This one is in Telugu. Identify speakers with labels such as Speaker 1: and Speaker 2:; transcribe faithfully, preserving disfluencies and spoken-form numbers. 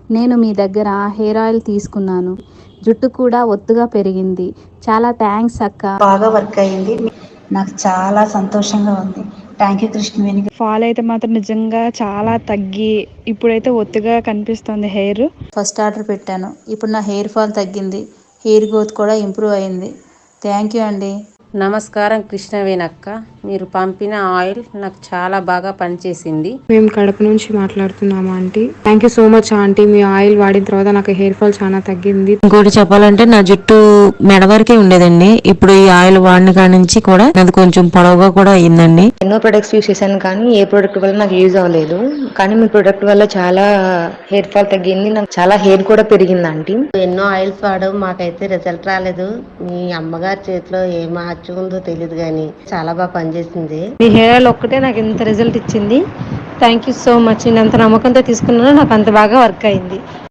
Speaker 1: నేను మీ దగ్గర హెయిర్ ఆయిల్ తీసుకున్నాను. జుట్టు కూడా ఒత్తుగా పెరిగింది. చాలా థ్యాంక్స్ అక్క.
Speaker 2: బాగా వర్క్ అయింది. నాకు చాలా సంతోషంగా ఉంది. Thank you Krishnaveni.
Speaker 3: ఫాల్ అయితే మాత్రం నిజంగా చాలా తగ్గి ఇప్పుడైతే ఒత్తుగా కనిపిస్తుంది హెయిర్.
Speaker 2: ఫస్ట్ ఆర్డర్ పెట్టాను. ఇప్పుడు నా హెయిర్ ఫాల్ తగ్గింది. హెయిర్ గ్రోత్ కూడా ఇంప్రూవ్ అయింది. థ్యాంక్ యూ అండి.
Speaker 4: నమస్కారం కృష్ణవేణి అక్క. మీరు పంపిన ఆయిల్ నాకు చాలా బాగా పనిచేసింది.
Speaker 5: మేము కడప నుంచి మాట్లాడుతున్నాము aunty. Thank you so much aunty. మీ ఆయిల్ వాడిన తర్వాత నాకు హెయిర్ ఫాల్ చాలా తగ్గింది.
Speaker 6: ఇంకోటి చెప్పాలంటే నా జుట్టు మెడ వరకే ఉండేదండి. ఇప్పుడు ఈ ఆయిల్ వాడిన కాడి నుంచి కూడా అది కొంచెం పొడవుగా కూడా అయిందండి.
Speaker 7: ఎన్నో ప్రొడక్ట్స్ యూస్ చేశాను కానీ ఏ ప్రొడక్ట్ వల్ల నాకు యూజ్ అవ్వలేదు. కానీ మీ ప్రొడక్ట్ వల్ల చాలా హెయిర్ ఫాల్ తగ్గింది. నాకు చాలా హెయిర్ కూడా పెరిగింది ఆంటీ.
Speaker 8: ఎన్నో ఆయిల్స్ వాడడం మాకైతే రిజల్ట్ రాలేదు. మీ అమ్మగారి చేతిలో ఏ మార్చి ఉందో తెలియదు కానీ చాలా బాగా పనిచేసింది.
Speaker 9: మీ హెయిర్ ఆయిల్ ఒక్కటే నాకు ఇంత రిజల్ట్ ఇచ్చింది. Thank you so much. నేను అంత నమ్మకంతో తీసుకున్నాను, నాకు అంత బాగా వర్క్ అయింది.